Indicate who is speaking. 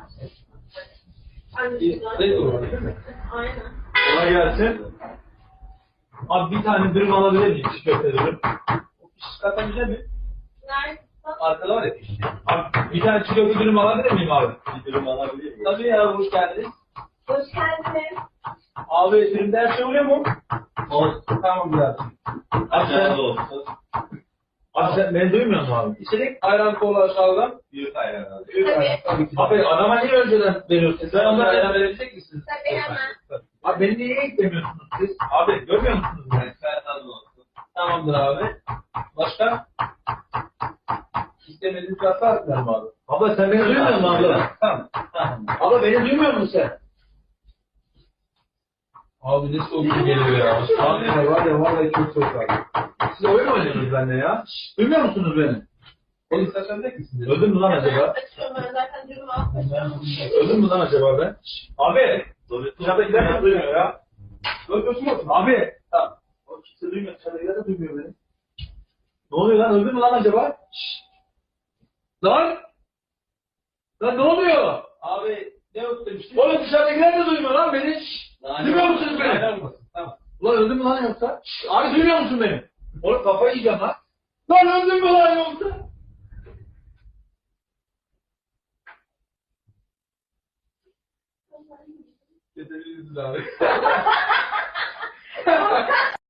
Speaker 1: Ne olur değil mi?
Speaker 2: Aynen.
Speaker 1: Kolay gelsin. Abi bir tane dürüm alabilir miyim? Çiğ köfte dürüm. O pişik katabilecek mi?
Speaker 2: Nerede?
Speaker 1: Arkada var ya pişik. Abi bir tane çiğ köfte dürüm alabilir miyim abi? Bir dürüm alabilir miyim? Tabii ya, hoş geldiniz.
Speaker 2: Hoş geldiniz.
Speaker 1: Abi dürümde her şey oluyor mu? Olsun. Tamam biraz. Abi sen olsun. Abi sen beni duymuyor musun abi? İçerik ayran kola aşağıdan. Büyük ayran abi. Büyük ayran. Tabii ki. Abi adama niye önceden veriyorsun? Sen onlara ayran verebilecek misin?
Speaker 2: Tabii hemen.
Speaker 1: Abi beni niye eklemiyorsunuz siz? Abi görmüyor musunuz beni? Ben olsun. Tamamdır abi. Başka? İstemediğiniz kaslar mı abi? Abla sen beni duymuyor musun abla? Tamam. Tamam. Abla beni duymuyor musun sen? Abi ne soğuk geliyor ya. Abi var ya vallahi çok soğuk abi. Siz oyun mu oynuyorsunuz benimle ya? Şşş, duymuyor musunuz beni? Oğlum istersen de misiniz? Öldüm mü lan acaba?
Speaker 2: Açıyorum ben zaten dürümü açıyorum.
Speaker 1: Öldüm mü lan acaba ben? Şşş, abi! Dışarıdakiler de duymuyor ya. Öldürsün olsun. Abi! Tamam. O kimse duymuyor. Dışarıdakiler de duymuyor beni. Ne oluyor lan? Öldüm mü lan acaba? Şşş! Lan! Lan ne oluyor? Abi ne yok demiştin? Oğlum dışarıdakiler de duymuyor lan beni. Şşş! Duymuyor musunuz beni? Tamam. Ulan öldün mü lan yoksa? Şşş! Abi duymuyor musun beni? Oğlum kafayı yiyeceğim lan. Lan öldün mü lan yoksa? Yeterliyiz abi.